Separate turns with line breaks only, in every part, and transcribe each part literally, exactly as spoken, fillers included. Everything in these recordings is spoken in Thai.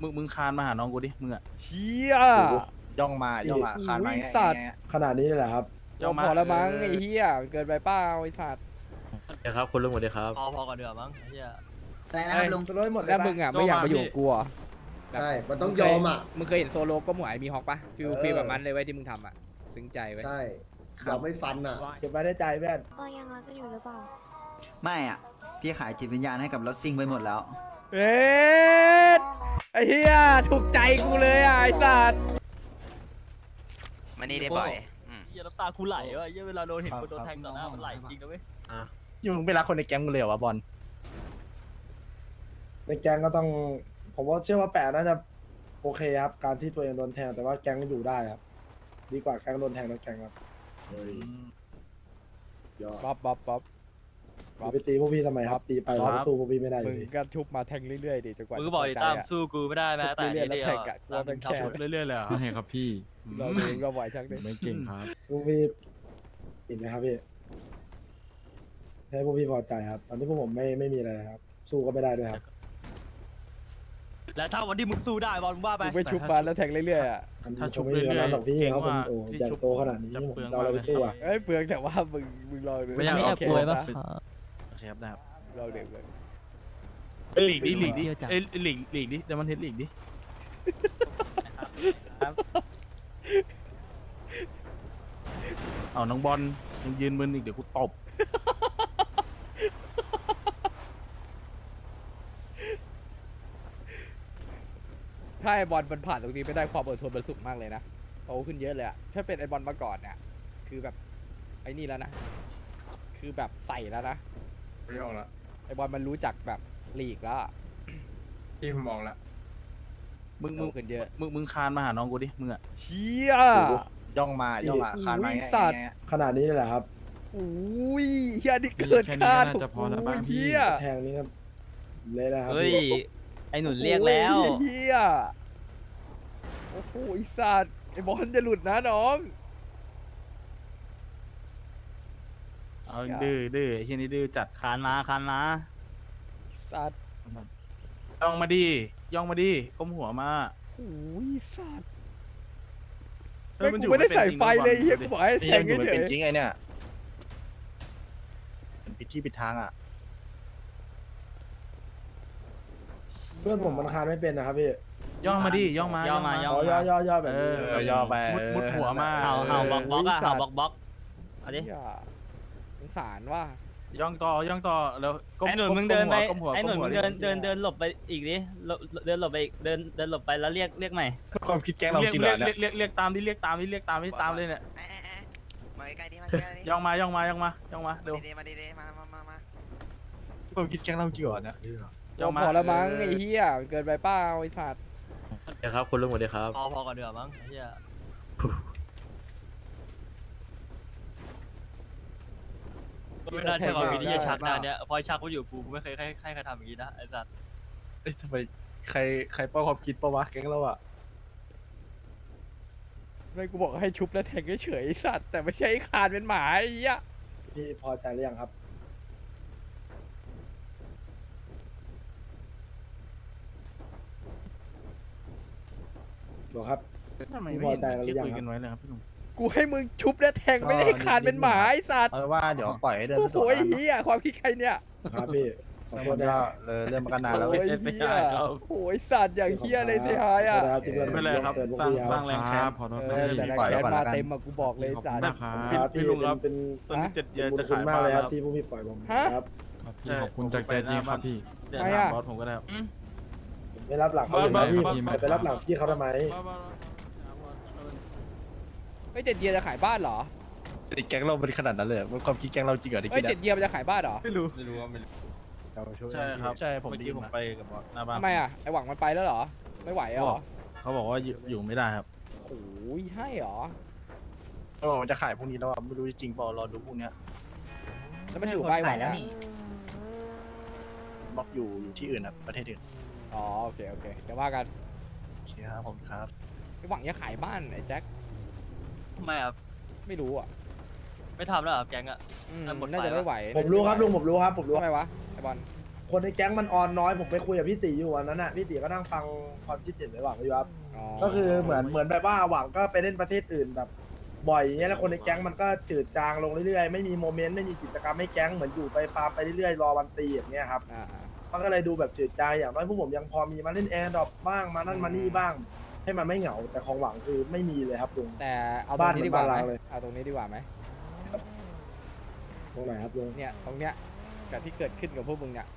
มึงมึงคานมาหาน้องกูดิมึงอะ
เชี่ย
ย่องมาย่องมาคานมา
อุ้ย
ไง
สัตว์
ไง
ขนาดนี้เลยเหรอครับ
ยอมพอแล้วมั้งไอ้เหี้ยเกินไปเป้าไอ้สัตว์
เดี๋ยวครับคุณลุงสวัสดีครับ
พอพอก่อนเดือมั้งเฮีย
อะไรนะครับลุง
จะร้อยหมดเลย
แล้ว
ปะ
มึงอ่ะไม่อยากมาอยู่กับกูอ่ะ
ใช่ มันต้องยอมอ่ะ
มึงเคยเห็นโซโลก็หมวยมีฮอกปะฟิล
เออ
ฟิลแบบมันเลยไว้ยที่มึงทำอ่ะซึ้งใจไว้ย
ใช่ยอมไม่ฟันอ่ะ
เก็บไว้ในใจเพื่อน
เรายังรักกันอยู่หรือเปล่า
ไม่อ่ะ พี่ขายจิตวิญญาณให้กับรถซิ่งไปหมดแล้ว
เอ๊ะไอ้เหี้ยถูกใจกูเลยอ่ะไอ้สัตว์
มันนี่ได้บ่อยอืม
เฮียน้ำตาคูไหลวะเฮียเวลาโดนเห็นคนโดนแทงต่อหน้ามันไหลจริงนะเว้ย
ยูมึงไปรักคนในแก๊งมึงเลยเหรอวะบอล
ในแก๊งก็ต้อง ผมว่าเชื่อว่าแปะน่าจะโอเคครับ การที่ตัวเองโดนแทงแต่ว่าแก๊งอยู่ได้ครับ ดีกว่าแก๊งโดนแทงแล้วแก๊งครับ
ยอด
บ๊อบบ๊อบบ๊อบ
อย่าไปตีพวกพี่ทำไมครับ ตีไป
ครับ
เราสู้พวกพี่ไม่ได้อ
มึ
ยู่
ง
ดี
ก็ทุบมาแทงเรื่อยๆดิจนกว่า
มึงก็บอกดิตามสู้กูไม่ได้แม้แต่
เรื่อยๆ
นิด
แล้ว
เดียว
แทงอะกลัวเป็นแขน
เรื่อยๆเลยเหรอ
ไม่ครับพี่
เราเองก็ไหวชักดิ
ไม่เก่งครับ
พวกพี่อิ่มไหมครับพี่ให้พวกพี่พอใจครับ ตอนนี้พวกผมไม่ไม่มีอะไรนะครับ สู้ก็ไม่ได้ด้วยครับ
และถ้าวันที่มึงสู้ได้บอลมึงว่าไป
มึงไปชุบมาแล้วแทงเรื่อยๆอ่ะ
อันนี้
ถ้า
ค
ชุบ
งไม่
เรื่
มี
อย
วันนั้นหรอกพี่
ๆเก่ง
เขาเป็น
ว่า
โอ้
ที่
ใหญ่
ชุบ
โตขนาดนี้
จะ
ผม
เปลือง
จะเอาอะไรไปสู้อ่ะ
เอ้ยเปลืองแต่ว่ามึงมึงลองดู
ไม่อยาก
โอเค
เอา
ปะ
โอเคครับได้ครับ
ลองเด็กเลย
เอ้ยหลีกดิหลีกดิเอ้ยหลีกหลีกดิแต่มันเห็นหลีกดิเอาน้องบอลยังยืนมึนอีกเดี๋ยวกูตบ
ถ้าไอบอลมันผ่านตรงนี้ไม่ได้ความอดทนมันสูงมากเลยนะโตขึ้นเยอะเลยอะถ้าเป็นไอบอลมาก่อนเนี่ยคือแบบไอ้นี่แล้วนะคือแบบใส่แล้วนะ
ไม่ออกละ
ไอบอลมันรู้จักแบบลีกแล้วอะ
พี่ผมมองละ
มึง
โต
มึง
ขึ้นเยอะ
มึงมึงคานมาหาน้องกูดิมึงอะ
เชี่ย
ย่องมาย่องมาคานมา
อุ้ย
ไง
สัตว์
ไง
ขนาดนี้เลยเหรอครับ
อุ้ยเฮียนี่เกิน
แค่นี้
คาด
ก็น่าจะพอแล้วบ้างพี่
เฮีย
แทงนี่ครับเละนะครับ
เฮ้ย
พี่
ไอหนุนเรียกแล้ว
โอ้ยเฮียโอ้โหไอสัตว์ไอบอลจะหลุดนะน้อง
เอาดื้อดื้อไอ้เช่นนี้ดื้อจัด
คานมาคานมา
สัตว์
ย่องมาดิย่องมาดิก้มหัวมา
โอ้ยสัตว์
เฮ้ย
ไม่
มันอ
กู
ยู่
ไม่ได้
เป็น
ใส่
จริง
ไฟ
นะ
เลย
บอล
เฮีย
ดู
กู
ดิ
บอกให้
นี่
แท
ยัง งอ
เฉ
ยู่มันเป็น
ย
จริงไงเนี่ยเป็นปิดที่ปิดทางอ่ะ
เพื่อนผมมันคานไม่เป็นนะครับพี่
ย่องมาดิย่องมา
ย่องมาย่
อ๋อย่อย่อย่อแบบ
เอ
นี้
อ
เออย่อไป
มุดมุดหัวมา
เห่าเห่าบล็อกบล็อกอะเห่าบล็อกบล็อกเอาดิ
เฮียสงสารว่า
ย่องต่อย่องต่อแล้วก้ม
ไอหนุน
ก้ม
มึงเดินไป
ก้มหัว
ไอหนุน
ก้
มึ
หัว
งเดินเดินเดินหลบไปอีกดิหลบเดินหลบไปอีกเดินเดินหลบไปแล้วเรียกเรียกใหม่
ความคิดแก๊งเรา
เรียก
จริงเหร
เรีย
อก เนี่ย
เรียกเรียกเรียกตามดิเรียกตามดิเรียกตามดิตามเลยเนี่ย
เอ๊ะเอ๊ะเอ๊ะมาใกล้ๆดิมาใกล้ๆดิ
ย่องมาย่องมาย่องมาย่องมาเร็ว
ดีๆมาดีๆมามามามา
ความคิดแก๊งเราจริงเหรอเนี่ย
ยอมพอแล้วมั้งไอ้เฮียเกินไปเป้าไอ้สัตว์
เดี๋ยวครับคุณลุงสวัสดีครับ
พอพอก่อนเดือมั้งเฮียไม่น่าใช่ความคิดที่จะชักนะเนี่ยพอชักมาอยู่กูไม่เคยให้ให้ใครทำอย่างนี้นะไอสัตว์
เอ้ยทำไมใครใครป้าความคิดปะวะแก๊งเราอ่ะ
ไม่กูบอกให้ชุบแล้วแทงเฉยๆไอ้สัตว์แต่ไม่ใช่ไอ้คานเป็นหมาไอ้เหี้ย
พี่พอใจหรือยังครับบอกครับ
ทำไม
พี่
ไม่
พอ
เห็น
ใจแล้วหรื
ที่
อยัง
คุย
ครับ
กันไว้เลยครับพี่หนุ่ม
กูให้มึงชุบแล้วแทงไม่ได้ให้คานเป็นหมาไอ้สัตว์
เอาว่าเดี๋ยวปล่อยให้เดิน
โอ้
สะด
โห
วก
ไอ้
แล้ว
เหี้ยความคิดใครเนี่ย
ครับพี่ขอโท
เรื่
ษ
อง
นะ
มันก็เลยเรื่องมันก็นานแล้ว
โอ้
เว้ย
ยเหี้ยโอ้ยสัตว์อย่างเหี้ยเลยเสียหายอ่ะ
ขอโทษนะครับที่เพื่อน
ไม่เป็นไรครับ
เตือนพวก
สร้าง
พี่
สร้าง
ค
แร
รับ
ง
ค
แค้
รั
น
บขอโทษ
เอ
นะ
อ
พี่
แต่ละ
ปล่อย
แก
ไว้
น
ก่อน
มา
ละกัน
เต็มอะกูบอกเลยสัตว์
ได้
ครับ
พี่
ครับ
พี่
พี่
ลุงครับ
เป็น
ตอนนี้เจ็ดเดือน
บุญ
จะ
คุณ
ขาย
มาก
บ้าน
เลยค
แล้
รับ
ว
ที่พวกพี่ปล่อยผม
ฮะ
ครับ
ครับพี่ขอบคุณจากใจจริงครับพี่
เดี๋ยว
ไม่
ถาม
อะ
บอสผมก็ได้ครับ
ผมไม่รับหลังเขาเลย
บ้า
นะพี่
บ้า
ผมไปรับหลังพี่เขาทำไม
เฮ้ยเจ็ดเยียร์จะขายบ้านเหรอ
ติดแก๊งเราเป็นขนาดนั้นเลยเหรอมันความคิดแก๊งเราจริงเหรอที่
เฮ้
คิ
ย
ด
เจ็ดเยียร์มันจะขายบ้านเหรอ
ไม่รู้
ไม่รู้ว่าไม่รู้
ใช่ครับ
ใช่ผม
เมื่อ
ได้
กี้
ยิน
ผม
มา
ไปกับบอสหน้าบ้าน
ทำไมอ่ะไอหวังมันไปแล้วเหรอไม่ไหวเหรอ
เขาบอกว่าอยู่อยู่ไม่ได้ครับ
โอ้ยให้เหรอ
เขาบอกมันจะขายพรุ่งนี้แล้วอ่ะไม่รู้จริงเปล่ารอดูพรุ่งเนี้ย
แล้วมันอยู่ใบหวังอะ
บล็อกอยู่อยู่ที่อื่นอ่ะประเทศอื่น
อ๋อโอเคโอเคเดี๋ยวว่ากัน
โอเคครับผมครับ
ไอหวังจะขายบ้านไอ้แจ็ค
ทำไมครับ
ไม่รู้อ่ะ
ไม่ทำแล้วเหรอแก๊งอะ
อืม
อ่ะหมดไฟ
น่าจะไม่ไหว
ผมรู้ครับลุงผมรู้ครับผมรู้
ทำไมวะไอบอล
คคนในแก๊งมันออนน้อยผมไปคุยกับพี่ตีอยู่วันนั้นน่ะพี่ตีก็นั่งฟังความคิดเห็นในหวังอยู่ครับก็คือเหมือนเหมือนแบบว่าหวังก็ไปเล่นประเทศอื่นแบบบ่อยอย่างเงี้ยแล้วคนในแก๊งมันก็จืดจางลงเรื่อยๆไม่มีโมเมนต์ไม่มีกิจกรรมให้แก๊งเหมือนอยู่ไปฟาร์มไปเรื่อยๆรอวันตีอย่างเงี้ยครับ
อ่า
มันก็เลยดูแบบจืดจางอย่างน้อยพวกผมยังพอมีมาเล่นแอร์ดรอปบ้างมานั่นมานี่บ้าง ให้มันไม่เหงาแต่ของหวังคือไม่มีเลยครับลุง
แต่เอาตรงนี้ดีกว่า
บ้าน
ไหม
เหมือนบ้านเราเลย
เอาตรงนี้ดีกว่าไหม
ตรงไหนครับลุง
เนี่ยตรงเนี้ยกับที่เกิดขึ้นกับพวกมึงเนี่ย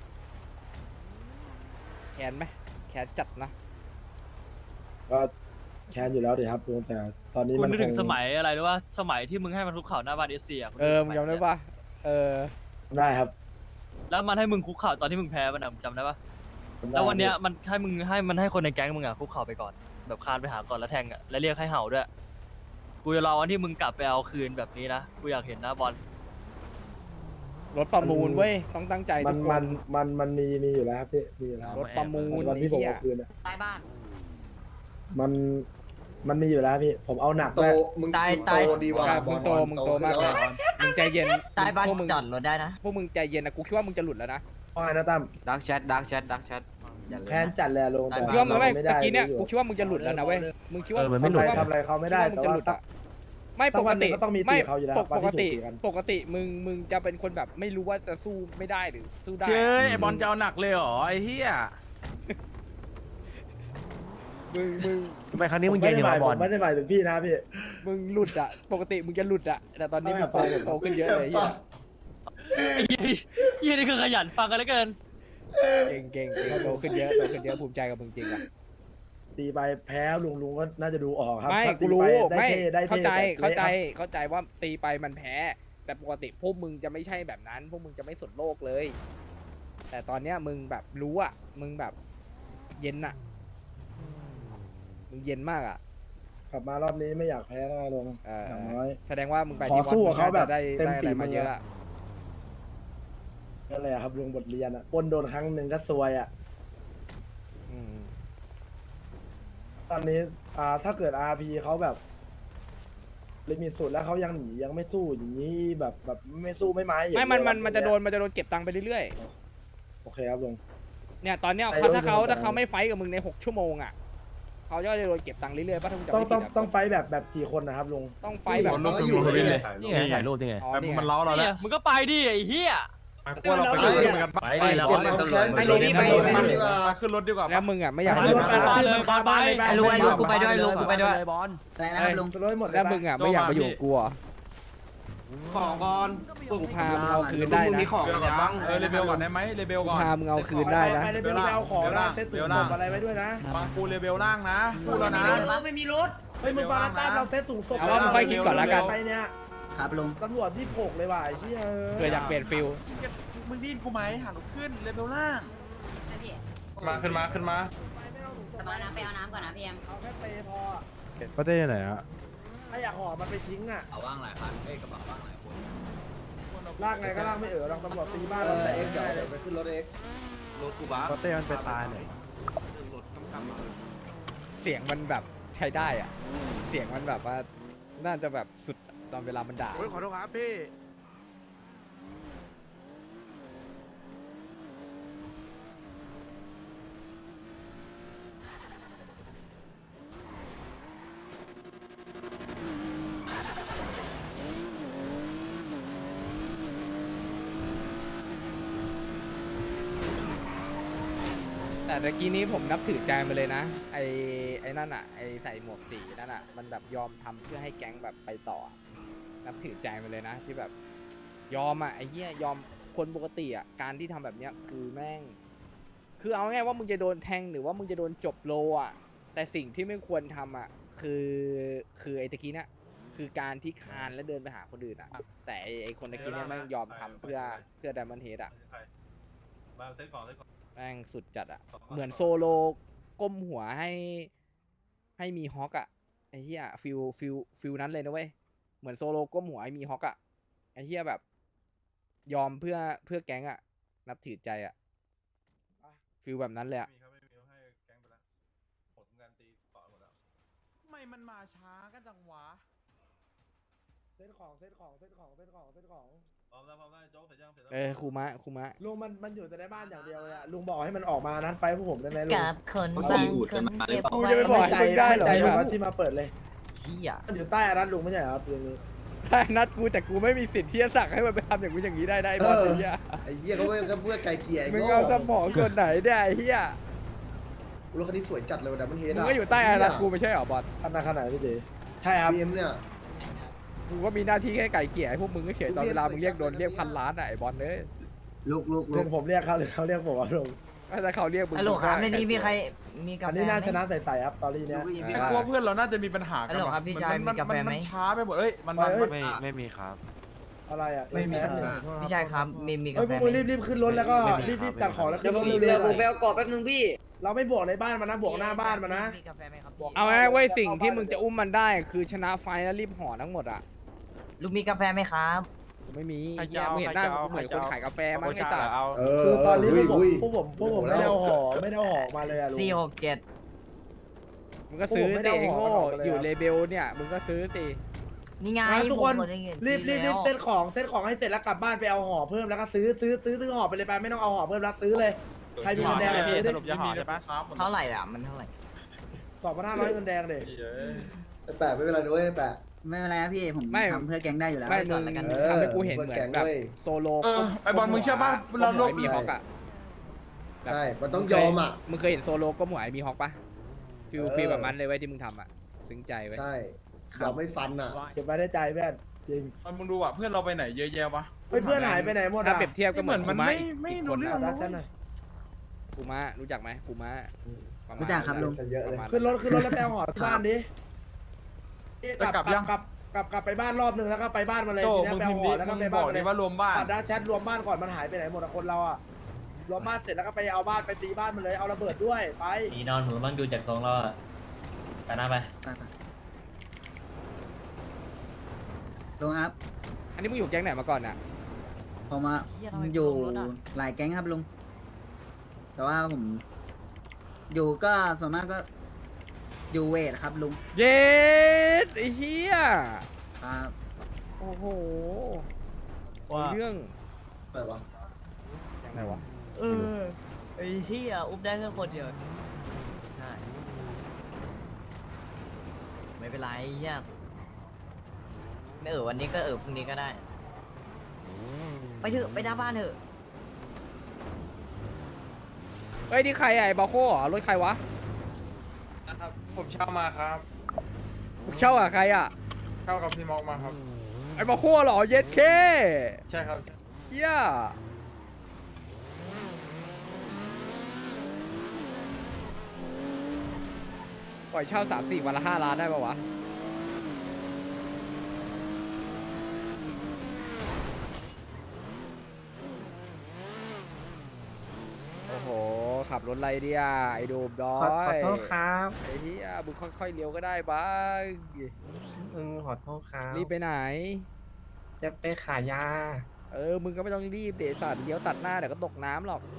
แค้นไหมแค้นจัดนะ
ก็แค้นอยู่แล้วดิครับลุงแต่ตอนนี้
กู
มัน
นึกถึง
ค
สมัยอะไรรู้ว่าสมัยที่มึงให้มันคุกเข่าหน้าบ้านเอสเซีย
เออมึงจำได้ปะเออ
ได้ครับ
แล้วมันให้มึงคุกเข่าตอนที่มึงแพ้มันอะมึงจำได้ปะแล้ววันเนี้ยมันให้มึงให้มันให้คนในแก๊งมึงอะคุกเข่าไปก่อนแบบคานไปหาก่อนแล้วแทงอะแล้วเรียกให้เห่าด้วยกูจะรอวันที่มึงกลับไปเอาคืนแบบนี้นะกูอยากเห็นหน้าบอล
รถประมูลเว้ยต้องตั้งใจ
มั
ทุ
น
กค
มัน
น
มันมันมีมีอยู่แล้วครับพี่มีอยู่แล้ว
รถประมูล
วัน
ไอ้
ที่ผม
เหี้ย
เอาคืนอะ
ใต้บ้าน
มันมันมีอยู่แล้วพี่ผมเอาหนัก
โต
ด้วย
มึง
ตาย
โต
ตาย
ดีว่ะ
มึงโตมึงโตมากเลยมึงใจเย็น
ใต้บ้าน
พวกมึง
จอดรถได้นะ
พวกมึงใจเย็นนะกูคิดว่ามึงจะหลุดแล้วนะ
ว่าไงนะตั้ม
ดักแชทดักแชทดักแชท
แค้นจัดเลยอะลุงแต่
กูคิดว่ามึงไม่
ไม่
ตะ
ได้
กี้เนี่ย
รู้อยู่
กูคิดว่ามึงจะหลุดแล้วนะเว้ยมึงคิดว่า
เออมันไม่หลุด
ทำอะไรเขาไม่ได้
คิ
แต่
ว่ามึงจะ
ว่า
หลุด
สัก
อะไม่
สั
ป
ก
ก
วันหนึ่
ติ
งก็ต้องมี
ไม่
ตีเขาอยู่แล้ว
ปก
วันที่
ปกติ
ถูกตีกัน
ปกติมึงมึงจะเป็นคนแบบไม่รู้ว่าจะสู้ไม่ได้หรือสู้ได้
เชื่อไอบอลจะเอาหนักเลยเหรอไอเฮีย
มึงมึง
ทำไมครั้งนี้
ผ
มึ
ม
ง
ไม่
เย็น
ได้
อย่าง
หมาย
วะบอล
ผมไม่ได้หมายถึงพี่นะพี่
มึงหลุดอะปกติมึงจะหลุดอะแต่ตอนนี้มึงโต
ไม่ครับ
โตขึ้นเยอะเลยเฮีย
ไอ้เหี้ยเหี้ยนี่คือขยันฟังกันเหลือเกิน
เก่งเก่งเก่งโตขึ้นเยอะโตขึ้นเยอะภูมิใจกับมึงจริงอะ
ตีไปแพ้ลุงลุงก็น่าจะดูออกครับ
ไม่
ถ้า
กู
ตี
รู้
ไปได้
ไม่
เท่ได้
เข้า
เท่
ใจ
แบบ
เข้าใจ
ละครับ
เข้าใจว่าตีไปมันแพ้ แต่ปกติพวกมึงจะไม่ใช่แบบนั้น พวกมึงจะไม่สนโลกเลย แต่ตอนเนี้ยมึงแบบรู้อะมึงแบบเย็นอะมึงเย็นมากอะ
กลับมารอบนี้ไม่อยากแพ้แล้วลุง
เออ
อย่างน้อย
แสดงว่ามึงไป
ขอ
ที่วัด
สู้
มึ
กับ
ง
เขา
น่า
แบ
จะ
บ
ได้
เต็ม
ได้อะ
ฝี
ไร
มื
มา
อ
เยอะอะ
นั่นแหละครับลุงบทเรียนอ่ะปล้นโดนครั้งหนึ่งก็ซวยอ่ะ
อืม
ตอนนี้อ่าถ้าเกิด อาร์ พี เขาแบบลิมิตสุดแล้วเขายังหนียังไม่สู้อย่างนี้แบบแบบไม่สู้ไม่ไม้อย่าง
ไม่มัน
เดียว
มันมันจะ
อย่าง
โด
เงี้ย
นมันจะโดนเก็บตังค์ไปเรื่อย
โอเคครับลุง
ๆเนี่ยตอนเนี้ย
ไอ้
เขาถ้าเขา
โดน
ถ้าเขาไม่ไฟท์กับมึงในหกชั่วโมงอะเขาจะโดนเก็บตังค์เรื่อยๆป่ะถ้ามึงจำ
ต้อง
ไม่
ต้
ผิ
อง
ดอะ
ต้องไฟท์แบบแบบกี่คนนะครับลุง
ต้องไฟท์แบบ
มันก็อยู่เลย
นี่ไงถ่ายรูปนี่ไง
อ๋อ
แต่
นี่ไง
มันเล้าเรา
เนี่
แล้
ยว มึงก็ไปดิไอ้เหี้ย
กลัวเราไปขึ้นเหมือนกัน
ไปดิเรา
เก็บมาแค้น
ไปเลยพี่ไปเลย
ไปดีกว่า
มาขึ้นรถดีกว่า
แล้วมึงอ่ะไม่อยาก
ไป
ให้
รถไป
มา
ขึ้นมันคาบ้านเลย
ไอ้ลุงไอ้ลุงกูไปด้วยลุงกูไปด้วย
บอล
อะไรนะครับลุง
รถหมดเลย
แล้วมึงอ่ะไม่อยากมาอยู่กับกูเหรอ
ของก่อน
กูพามึงเอาคืนได้นะ
เบลก่อนบ้างเออเลเบลก่อนได้ไหมเลเบล
กู
ก่อน
พามึงเอาคืนได้นะ
ไปเลยไปเลยไปเอาของนะเซ็ตถุงศพอะไรไว้ด้วยนะ
ฟังกูเลเบลล่างนะพูดแล้วนะ
ไม่มีรถ
เฮ้ยมึงฟาราต้าเราเซ็ตถุงศพ
เอาว่ามึงค่อยคิดก่อนละกัน
ไปเนี่ย
ครับลุง
ตำรวจที่โผกเลยว่ะไอ้เชี่ย
เพื่ออยากเปลี่ยนฟิล
มึงดิ้นกูไหมหาลูกขึ้นเลเบลล่าง
พี่
มาขึ้นมาขึ้นมา
แต่มาน้ำไปเอาน้ำก่อนนะพี่เอ็ม
เอาแค่เปย์พอ
ประเทศไหนอะ
ถ้าอยากห่อมันไปทิ้งอ่ะ
เอาว่างหลายคันเอ้ยกระบะว่างหลายคน
ลากไงก็ลากไม่เอ๋อลองตำรวจตีบ้าน
เอ
เรา
อ
แต่
เอ็
เอ็
ก
ก
เดี๋ยว
ได้เล
เดี๋ย
ยว
ไปขึ้นรถเอ็ก
ประเทศมันไปตายไหน
เสียงมันแบบใช้ได้อ่ะ เสียงมันแบบว่าน่าจะแบบสุดตอนเวลามันด่า
ขอโทษครับพี่
แต่ตะกี้นี้ผมนับถือใจมาเลยนะไอ้ไอ้นั่นอ่ะไอ้ใส่หมวกสีนั่นอ่ะมันแบบยอมทำเพื่อให้แก๊งแบบไปต่อ นับถือใจมาเลยนะที่แบบยอมอ่ะไอ้เหี้ยยอมคนปกติอ่ะการที่ทำแบบเนี้ยคือแม่ง คือเอาง่ายๆว่ามึงจะโดนแทงหรือว่ามึงจะโดนจบโลอ่ะแต่สิ่งที่ไม่ควรทำอ่ะคือคือไอ้ตะกี้เนี่ยคือการที่คานและเดินไปหาคนอื่นอ่ะแต่ไอ้ไอ้คนตะกี้เนี่ยแม่งยอมทำเพื่อเพื่อ Diamond Head อ่ะ
มาเซ็ตของเซ็ตของ
แม่งสุดจัดอ่ะเหมือนโซโลก้มหัวให้ให้มีฮอกอ่ะไอ้เหี้ยฟิลฟิลฟิลนั้นเลยนะเว้ยเหมือนโซโลก้มหัวให้มีฮอกอ่ะไอ้เหี้ยแบบยอมเพื่อเพื่อแก๊งอ่ะนับถือใจอ่ะฟิลแบบนั้นเลยอ่ะ
มีครับไม่มีให้แก๊งไปแล้วผลงานตีต่อหมดแล้วทำไมมันมาช้ากันจังวะ
เซ็ตของเซ็ตของเซ็ตของเซ็ตของเซ็ตของ
พร้อมแล้วพร้อมแล้วโจ๊กเสร็จยังเสร็จแล้ว
เออครูมะครูมะ
ลุงมันมันอยู่แต่ในบ้านอย่างเดียวเลยอะลุงบอกให้มันออกมานัดไฟพวกผมได้ไหมลุง
กับคน
บาง
บา
ที
ง
อูด
ค
กัน
น
มาหรื
เก็
อบ เปล่า
กูจะไปบอก
ไม่ใจ
ให้มึงได้เหรอ
ไม่ใจลุง
วะ
ว่าที่มาเปิดเลย
เฮีย
มันอยู่ใต้อานัดลุงไม่ใช่เหรอครับลุงนี้
ได้นัดกูแต่กูไม่มีสิทธิ์ที่จะสั่งให้มันไปทำอย่างกูอย่างนี้ได้ได้บอลไอ้เหี้ย
ไอ้เหี้ยเขาไม่ก็เพื่อไกลเกลี่ยไอ้
มึง
โง่
เอาสมองส่วนไหนได้ไอ้เหี้ย
รถคันนี้สวยจัดเลยวันนั้นมันเฮด
มึงก็อยู่ใต้อานัดกูไม่ใช่เหรอบอล
ขนาดขนาดพี่ตีใช่ครับ
บีเอ็มเนี่ย
กูก็มีหน้าที่แค่ไก่เกลี่ยให้พวกมึงก็เฉยตอนเวลามึงเรียกโดนเรียกพันล้านอะไอ้บอลเอ้ย
ลูกลูกลู
ลุ
ก
งผมเรียกเขาหรือเขาเรียกผมว่าลุง
ถ้าเขาเรียกมึง
ฮัลโหลครับในนี้มีใครมีกา
อัน
แฟ
นี้น่า
ไหม
ชนะใส่ๆครับตอรี่เนี้ย
เอ
แต่
อ
กลัวเพื่อนเราน่าจะมีปัญหากั
ฮัลโหลครับพี่ชาย
มัน
มีกาแฟไหม
นช้าไปหมดเอ้ยมันมัน
เอ้ย
ไม่
ไม่มีครับ
อะไรอ่ะ
ไม่มี
แป๊บ
ค
นึง
รับ
พี่ชายครับมีมี
เฮ้
กาย
พ
แฟ
วก
ไห
มึ
ม
งรีบๆขึ้นรถแล้วก็
ไม่มี
รีบ
ครับ
ๆจัดของแล้วขึ้นรถ
เดี๋
เร็
ยว
ว
ผม
ๆ
ไปเอากรอบแป๊บนึงพี่
เราไม่บวกในบ้านมันนะบวกหน้าบ้านมันนะ
มีกาแฟไหมครับพี่
เอาง่ายๆเว้ยสิ่งที่มึงจะอุ้มมันได้คือชนะไฟแล้วรีบห่อทั้งหมดอะ
ลุงมีกาแฟไหมครับ
กูไม่มี
ใคร
เหี้
จะ
ย
เอา
มึงเห็นหน้า
ใครจะเอา
กูเหมือนคนขายกาแฟมั้ง
โอ
ไอ้
ชา
สัตว์
เอา
เออ
คือตอนนี้
อุ้
พ
ยว
กผม
อุ้ย
พวกผมพวกผมไม่ได้เอาห่อไม่ได้เอาห่อมาเลยอะลุง
สี่หกเจ็ด
มึงก็ซื้อ
ผมไม่
สิ
ได้
ไอ้
เอาห่อ
โง่
มาเลยอะ
อยู่เลเบลเนี่ยมึงก็ซื้อสิ
นี่ไง
นะทุกคน
ผมกดได้เงิ
รีบรีบรีบ
แล้ว
เซ็ตของเซ็ตของให้เสร็จแล้วกลับบ้านไปเอาห่อเพิ่มแล้วก็ซื้อซื้อซื้อซื้อห่อไปเลยไปไม่ต้องเอาห่อเพิ่มแล้วซื้อเลยใครมีเงินแดง
ไม่
ซื้อ
ส
ดิ
รุปจะห่อใช่ปะ
เท่าไหร่อ่ะมันเท่าไหร่
สองพันห้าร้อยเงินแดงเด็
ไอ้แปะไม่เป็นไรด้วยไอ้แปะ
ไม่เป็นไรครับพี่ผม
ไม่
ทำเพื่อแก๊งได้อยู่แล้ว
ไม่มึง
แล้วกัน
เออ
ทำให้กูเห็นเหมือน
แกง
แบบ
ด้วย
โซโล
เออไอบอลมึงเชื่อป่ะเรา
เรา
ลบ
มีฮอกอะ
ใช่ มันต้องยอมอ่ะ
มึงเคยเห็นโซโลก็หมวยมีฮอกปะฟิล
เออ
ฟิลแบบมันเลยไว้ยที่มึงทำอะซึ้งใจไว้ย
ใช่ยอมไม่ฟันอ่ะ
เก็บไว้ได้ใจเพื่อนจริง
มันมึงดูอ่ะเพื่อนเราไปไหนเยอะแยะวะ
เฮ้ยเพื่อนหายไปไหนหมด
ถ้า
อ่ะ
เปรียบเทียบก็เหมือน
เหมือน
คู
มัน
มะ
ไม่
อีก
ไม่
อีก
รู้
คน
เรื่
นะ
อง
รักฉันหน่อย
คูมะรู้จักไหมคูมะปะมาณ
รู้จักครับลุง
เยอะเลย
ปมาณ
ขึ้นรถขึ้นรถแล้วไปเอาห่อที่บ้านดิ
จะกลับยัง
กลับกลับกลับไปบ้านรอบนึงแล้วก็ไปบ้านมาเลย
โจ
ทีนี้
มึง
ไป
พิ
เอา
มพ์
ห่
ดิ
อแล้วก็
มึ
ไป
งบ
บ้าน
อก
มาเล
ดิ
ย
ว่ารวมบ้าน
ปัดดาแชทรวมบ้านก่อนมันหายไปไหนหมดอะคนเราอะรวมบ้านเสร็จแล้วก็ไปเอาบ้านไปตีบ้านมันเลยเอาระเบิดด้วยไป
นี่นอนหนูบ้างดูจากตรงเราอะไปหน้าไป
ไปไปลุงครับ
อันนี้มึงอยู่แก๊งไหนมาก่อนอะ
ผมอะ
เหี้ยทำไม
อยู่
ลงรถอะ
หลายแก๊งครับลุง แต่ว่าผม อยู่ก็ส่วนมากก็อยู่เวทครับลุง
เย็ดไอ้เหี้ย
ครับ
โอ้โห
ว่า
เรื่อง
อะไรวะ
ยังไงวะ
เออไอ้เหี้ยอุ้มได้แค่คนเดียวใช่ไม่เป็นไรเหี้ยไม่เออวันนี้ก็เออพรุ่งนี้ก็ได้ ไปเถอะไปหน้าบ้านเถอะ
เฮ้ยนี่ใครอะไอ้บาโค่เหรอรถใครวะ
นะครับผมเช่ามาครับ
มึงเช่าอะใครอะ
เช่ากับพี่มอกมาครับ
ไอ้บาโค่เหรอเย็ดเค
ใช่ครับ
เหี้ยปล่อยเช่าสามสี่วันละห้าล้านได้ปะวะ โอ้โห ขับรถอะไรเนี่ยไอ้โดมดอย
ขอโทษครับ
ไอ้เหี้ยมึงค่อยๆเลี้ยวก็ได้บ้าง
อืมขอโทษครับ
รีบไปไหน
จะไปขายยา
เออ มึงก็ไม่ต้องรีบเดสัตว์เลี้ยวตัดหน้าเดี๋ยวก็ตกน้ำหรอก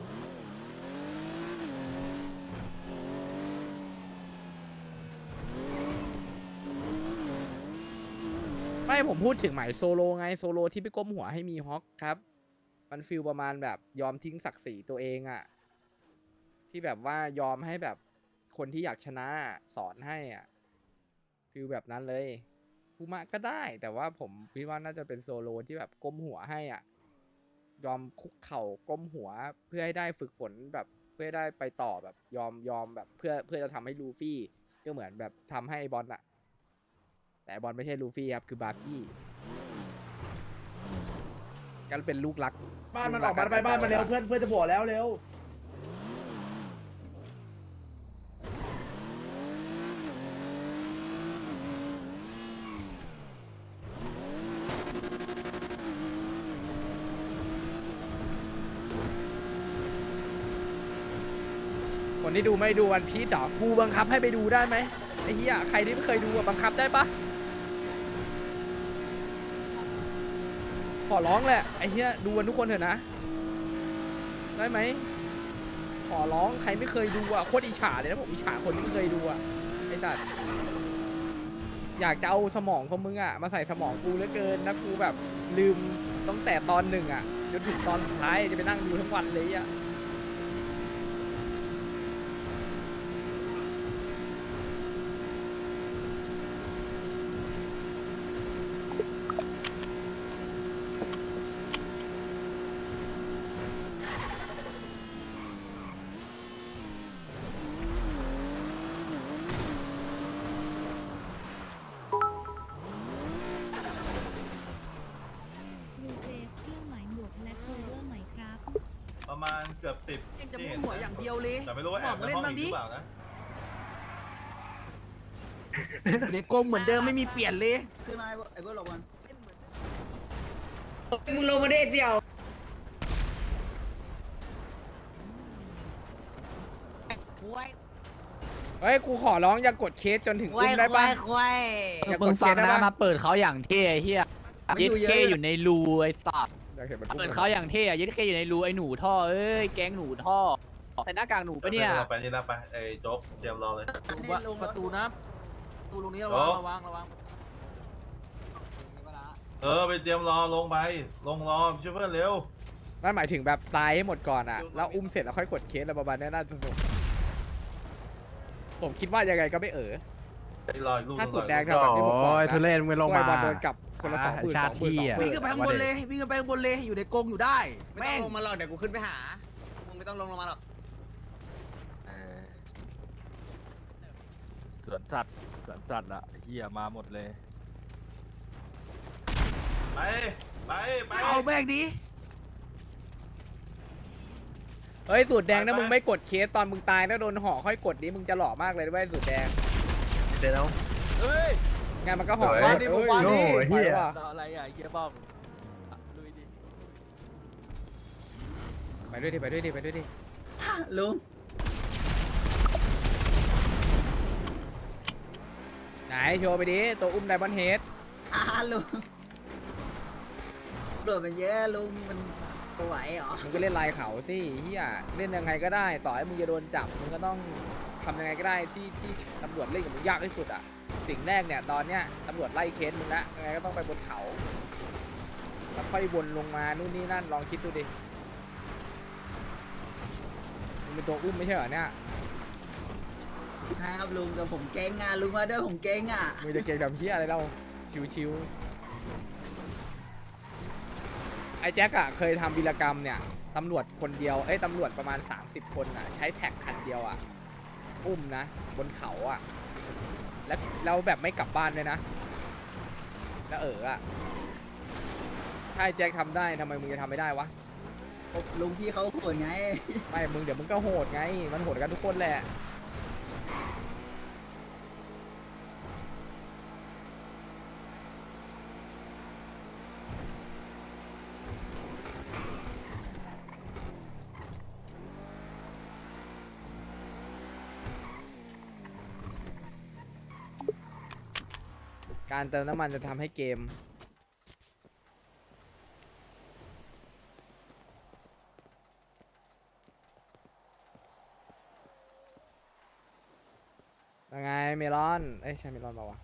ไม่ผมพูดถึงหมายโซโลไงโซโลที่ไปก้มหัวให้มีฮอกครับ มันฟิลประมาณแบบยอมทิ้งศักดิ์ศรีตัวเองอะที่แบบว่ายอมให้แบบคนที่อยากชนะสอนให้อะฟิลแบบนั้นเลยคูมะก็ได้ แต่ว่าผมคิดว่าน่าจะเป็นโซโลที่แบบก้มหัวให้อ่ะยอมคุกเข่าก้มหัวเพื่อให้ได้ฝึกฝนแบบเพื่อให้ได้ไปต่อแบบยอมยอมแบบเพื่อเพื่อจะทำให้ลูฟี่ก็เหมือนแบบทำให้บอลอะแต่บอลไม่ใช่ลูฟี่ครับคือบาร์กี้ก็เป็นลูกรัก
บ้านมันออกมาไปบ้านมันเร็วเพื่อนเพื่อนจะบวกแล้วเร็ว
คนที่ดูไม่ดูวันพีชเหรอกูบังคับให้ไปดูได้ไหมไอ้เหี้ยใครที่ไม่เคยดูอะบังคับได้ปะขอร้องแหละไอ้เหี้ยดูกันทุกคนเถอะนะได้ไหมขอร้องใครไม่เคยดูอะโคตรอิจฉาเลยนะผมอิจฉาคนที่ไม่เคยดูอะไอ้สัตว์อยากจะเอาสมองของมึงอะมาใส่สมองกูเหลือเกินนะกูแบบลืมตั้งแต่ตอนหนึ่งอ่ะจนถึงตอนสุดท้ายจะไปนั่งดูทั้งวันเลยอ่ะ
ประมาณเกือบสิบ
ยังจะมุ่งหัวอย่างเดียวเลย
แต่ไม่รู้ว่าแอบในห้องอีกหรือเปล่านะ
ในกรงเหมือนเดิมไม่มีเปลี่ยนเลยขึ้นมาไอ้เบิร์ดหลบมัน
มึงลงมาได้เสี่ยว
เฮ้ยกูขอร้องอย่ากดเคสจนถึงอุ้มได้ปะอย่ากดเคสได้ปะ
มาเปิดเขาอย่างเท่เฮียยึดเคอยู่ในรูไอ้สัตว์
อยากเห็นมันอุ้ม
เปิดเขาอย่างเท่ยึดเคอยู่ในรูไอ้หนูท่อเอ้ยแก๊งหนูท่อแต่หน้ากากหนูปะเนี่ย
ไปนี่นะไปไอ้โจ๊กเตรียมรอเลย
ประตูนะประตูตรงนี้ระ
โจ๊
วัง
ก
ระวังระวัง
เออไปเตรียมรอลงไปลงรอช่วยเพื่อนเร็ว
นั่นหมายถึงแบบตายให้หมดก่อนอ่ะแล้วอุ้มเสร็จแล้วค่อยกดเคสอะไรประมาณนี้น่าจะสนุกผมคิดว่ายังไงก็ไม่เออ
ไปรออีกลูก
ถ้าสุดแดงทำแบบที่ผมบอกนะ
ทุเรศมึงลงมา
บอลโดนกลับคนละสองหมื่นสองหมื่นสองหมื่
วิ่ง
น
ขึ้นไปข้างบนเลยวิ่งขึ้นไปข้างบนเลยอยู่ในกรงอยู่ได้แม่ง
ลงมาหรอกเดี๋ยวกูขึ้นไปหา มึงไม่ต้องลงลงมาหรอก
สวนสัตว์สวนสัตว์อะเฮียมาหมดเลย
ไปไปไป
เอาแม่งดิ
เฮ้ยสูตรแดงนะมึงไม่กดเคสตอนมึงตายแล้วโดนห่อค่อยกดดิมึงจะหล่อมากเลยด้วยสูตรแดง
เดี๋ยว
เฮ้ยงานมันก็ห่อ
วางดิ
เอ้ยว
างดิ
เฮีย
อะไรอ่ะเฮียบ้องลุยดิ
ไปด้วยดิไปด้วยดิไปด้วยดิ
ลุง
ไหนโชว์ไปดิตัวอุ้มไดมอนด์เฮด
อ่าลุงโดดมันเยอะลุงมันตัวไหวเหรอ
มึงก็เล่นลายเขาสิเฮียเล่นยังไงก็ได้ต่อให้มึงจะโดนจับมึงก็ต้องทำยังไงก็ได้ที่ที่ตำรวจเล่นกับมึงยากที่สุดอ่ะสิ่งแรกเนี่ยตอนเนี้ยตำรวจไล่เคสมึงละยังไงก็ต้องไปบนเขาแล้วค่อยวนลงมานู่นนี่นั่นลองคิดดูดิมึงเป็นตัวอุ้มไม่ใช่เหรอเนี่ย
ครับลุงแต่ผมเก่งอ่ะลุงมาด้วยผมเก่งอ่ะ
มึงจะเก่งแบบเฮียอะไรเราชิวๆไอ้แจ็คอะเคยทำวีรกรรมเนี่ยตำรวจคนเดียวเอ้ยตำรวจประมาณสามสิบคนอะใช้แท็กคันเดียวอะอุ้มนะบนเขาอะแล้วเราแบบไม่กลับบ้านเลยนะแล้วเอออะถ้าไอ้แจ็คทำได้ทำไมมึงจะทำไม่ได้วะ
ลุงพี่เขาโหดไง
ไม่มึงเดี๋ยวมึงก็โหดไงมันโหดกันทุกคนแหละการเติมน้ำมันจะทำให้เกมยังไงเมลอนเอ้ยใช่เมลอนเปล่าวะ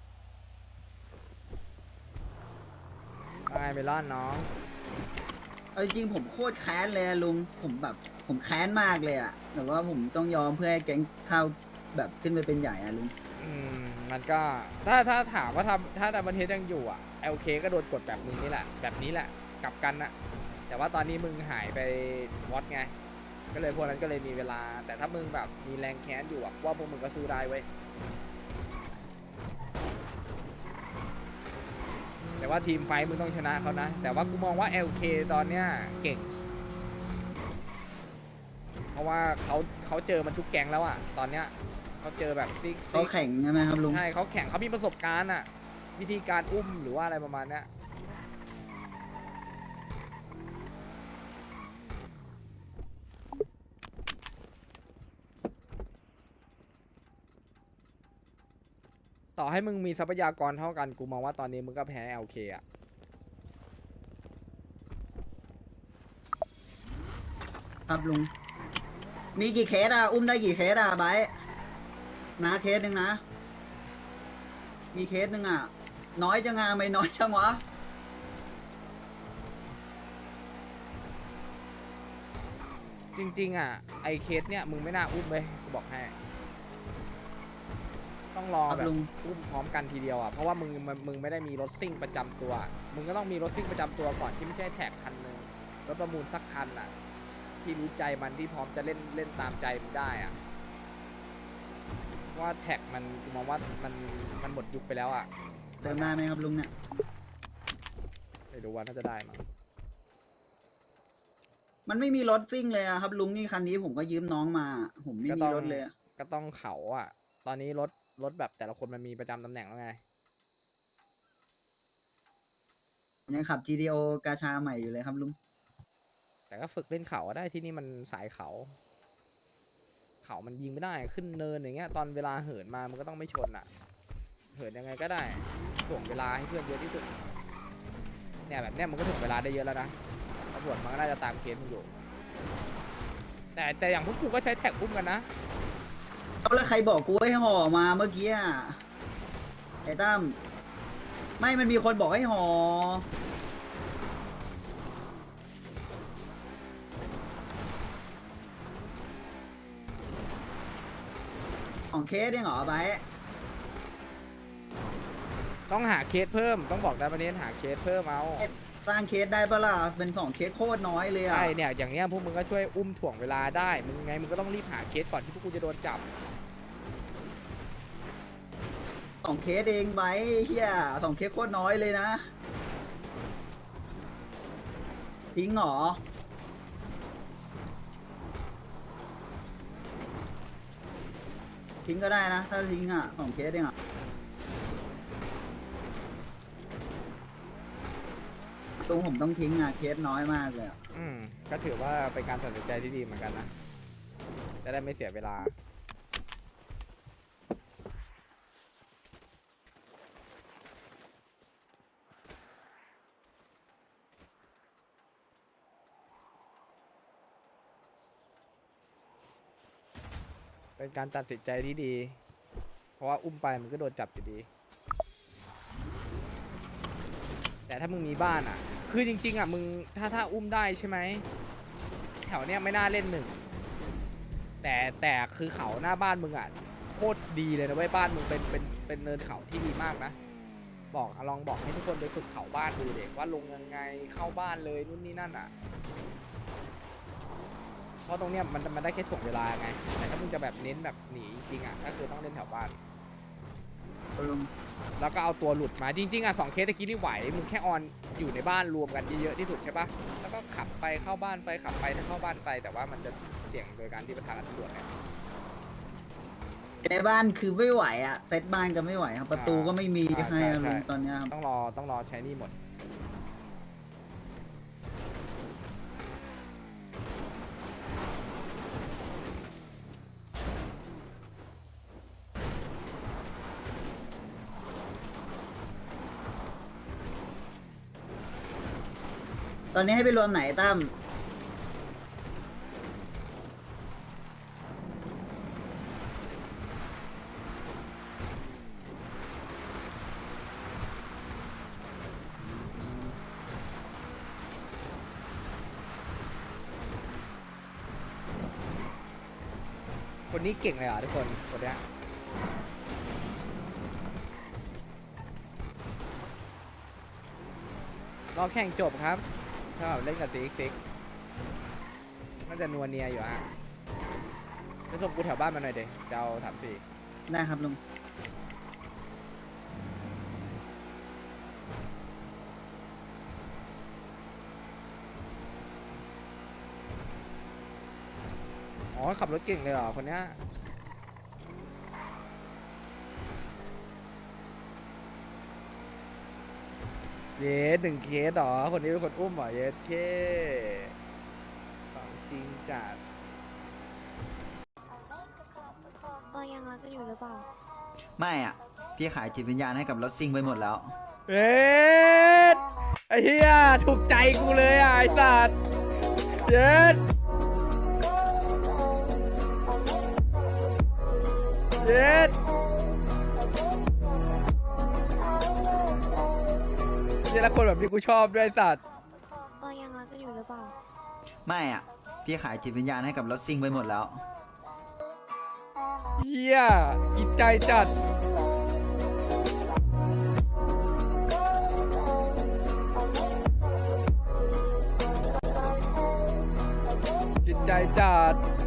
ยังไงเมลอนน้อง
เอาจริงๆผมโคตรแค้นเลยอะลุงผมแบบผมแค้นมากเลยอ่ะแต่ว่าผมต้องยอมเพื่อให้แก๊งเข้าแบบขึ้นไปเป็นใหญ่อะลุง
อืมมันก็ถ้าถ้าถามว่าทำถ้าดับเบิลเทสยังอยู่อ่ะ แอล เค ก็โดนกดแบบมึงนี่แหละแบบนี้แหละกลับกันนะแต่ว่าตอนนี้มึงหายไปวอตไงก็เลยพวกนั้นก็เลยมีเวลา แต่ถ้ามึงแบบมีแรงแค้นอยู่อ่ะว่าพวกมึงก็สู้ได้เว้ยแต่ว่าทีมไฟท์มึงต้องชนะเขานะแต่ว่ากูมองว่า แอล เค ตอนเนี้ยเก่ง เพราะว่าเขาเขาเจอมันทุกแก๊งแล้วอ่ะตอนเนี้ยเขาเจอแบบซิก
เขาแข่งใช่ไหมครับลุง
ใช่เขาแข่งเขามีประสบการณ์อ่ะ วิธีการอุ้มหรือว่าอะไรประมาณเนี้ยต่อให้มึงมีทรัพยากรเท่ากันกูมองว่าตอนนี้มึงก็แพ้ แอล เค อ่ะ
ครับลุงมีกี่เคสอ่ะอุ้มได้กี่เคสอ่ะไบร์ทนะเคสหนึ่งนะ มีเคสหนึ่งอ่ะ น้อยจังงานทำไมน้อยจังวะ
จริงๆอ่ะไอเคสเนี่ยมึงไม่น่าอุ้มเลยกูบอกให้ต้องรอ
ครับ
แบบ
ลุง
อุ้มพร้อมกันทีเดียวอ่ะเพราะว่ามึงมึงมึงไม่ได้มีรถซิ่งประจำตัว มึงก็ต้องมีรถซิ่งประจำตัวก่อนที่ไม่ใช่แท็กคันหนึ่งรถประมูลสักคันอ่ะที่รู้ใจมันที่พร้อมจะเล่นเล่นตามใจมึงได้อ่ะว่าแท็กมันกูมองว่ามันมันหมดยุคไปแล้วอ่ะ
เติมได้ไหมครับลุงเนี่ย
ไม่รู้ว่าน่าจะได้มั้ง
มันไม่มีรถซิ่งเลยอะครับลุงนี่คันนี้ผมก็ยืมน้องมา ผมไม่มีรถเลยอะ
ก็ต้องเขาอ่ะ ตอนนี้รถรถแบบแต่ละคนมันมีประจำตำแหน่งแล้วไง
ผมยังขับ จี ที โอ กาชาใหม่อยู่เลยครับลุง
แต่ก็ฝึกเล่นเขาอะได้ที่นี่มันสายเขา เขามันยิงไม่ได้ขึ้นเนินอย่างเงี้ยตอนเวลาเหินมามันก็ต้องไม่ชนอ่ะ เหินยังไงก็ได้ถ่วงเวลาให้เพื่อนเยอะที่สุดเนี่ยแบบเนี้ยมันก็ถ่วงเวลาได้เยอะแล้วนะตำรวจมันก็น่าจะตามเคสมึงอยู่ แต่แต่อย่างพวกกูก็ใช้แท็กอุ้มกันนะ
เอาแล้วใครบอกกูให้ห่อมาเมื่อกี้อะไอ้ตั้มไม่มันมีคนบอกให้ห่อของเคสยังเหรอไป
ต้องหาเคสเพิ่มต้องบอกได้ประเด็นหาเคสเพิ่มเอา
สร้างเคสได้ปะล่ะเป็นสองเคสโคตรน้อยเลยอะ
ใช่เนี่ยอย่างเนี้ยพวกมึงก็ช่วยอุ้มถ่วงเวลาได้มึงไงมึงก็ต้องรีบหาเคสก่อนที่พวกกูจะโดนจับ
สองเคสเองไว้เฮียสองเคสโคตรน้อยเลยนะ ทิ้งเหรอ ทิ้งก็ได้นะ ถ้าทิ้งอ่ะสองเคสเองอ่ะตรงผมต้องทิ้งอ่ะ เคสน้อยมากเลยอะ
อืมก็ถือว่าเป็นการตัดสินใจที่ดีเหมือนกันนะจะได้ไม่เสียเวลา เป็นการตัดสินใจที่ดี เพราะว่าอุ้มไปมันก็โดนจับอยู่ดี แต่ถ้ามึงมีบ้านอ่ะ คือจริงๆอ่ะมึงถ้าถ้าอุ้มได้ใช่ไหมแถวเนี้ยไม่น่าเล่นหนึ่งแต่แต่คือเขาหน้าบ้านมึงอ่ะโคตรดีเลยนะเว้ยบ้านมึงเป็นเป็นเป็นเนินเขาที่ดีมากนะบอกลองบอกให้ทุกคนไปฝึกเขาบ้านดูเด็กว่าลงยังไงเข้าบ้านเลยนู่นนี่นั่นอ่ะเพราะตรงเนี้ยมันมันได้แค่ถ่วงเวลาไงแต่ถ้ามึงจะแบบเน้นแบบหนีจริงๆอ่ะก็คือต้องเล่นแถวบ้าน แล้วก็เอาตัวหลุดมาจริงๆอ่ะสองเคสตะกี้นี่ไหวมึงแค่ออนอยู่ในบ้านรวมกันเยอะๆที่สุดใช่ปะแล้วก็ขับไปเข้าบ้านไปขับไปเข้าบ้านไปแต่ว่ามันจะเสี่ยงโดยการที่ประทะกับตำรวจไง
ในบ้านคือไม่ไหวอ่ะเซตบ้านก็ไม่ไหวครับ ประตูก็ไม่มี
อ่า
ให้
ใช่
อะ
ใช่
ลุงตอนเนี้ยครับ
ต้องรอต้องรอใช้หนี่หมด
ตอนนี้ให้ไปรวมไหนตั้ม
คนนี้เก่งเลยเหรอทุกคนคนเนี้ยรอแข่งจบครับสำหรับเล่นกับ ซี เอ็กซ์ ซิกซ์ น่าจะนัวเนียอยู่ฮะไปส่งกูแถวบ้านมาหน่อยเดี๋ยวจะเอาถามสี่
ได้ครับลุง
อ๋อขับรถเก่งเลยเหรอคนเนี้ยเยสหนึ่งเคสเหรอคนนี้เป็นคนอุ้มเหรอเยสเคของจริงจัด
ตัวยังรักกันอยู่หรือเปล่า
ไม่อ่ะ พี่ขายจิตวิญญาณให้กับรถซิ่งไปหมดแล้ว
เอ็ดไอ้เหี้ยถูกใจกูเลยอ่ะไอ้สัตว์เย็ดเย็ดนี่ละคนแบบนี้กูชอบด้วยไอ้สัตว์
ตัวยังรักกันอยู่หรือเปล่า
ไม่อ่ะพี่ขายจิตวิญญาณให้กับรถซิ่งไปหมดแล้ว
เฮียกินใจจัดกินใจจัด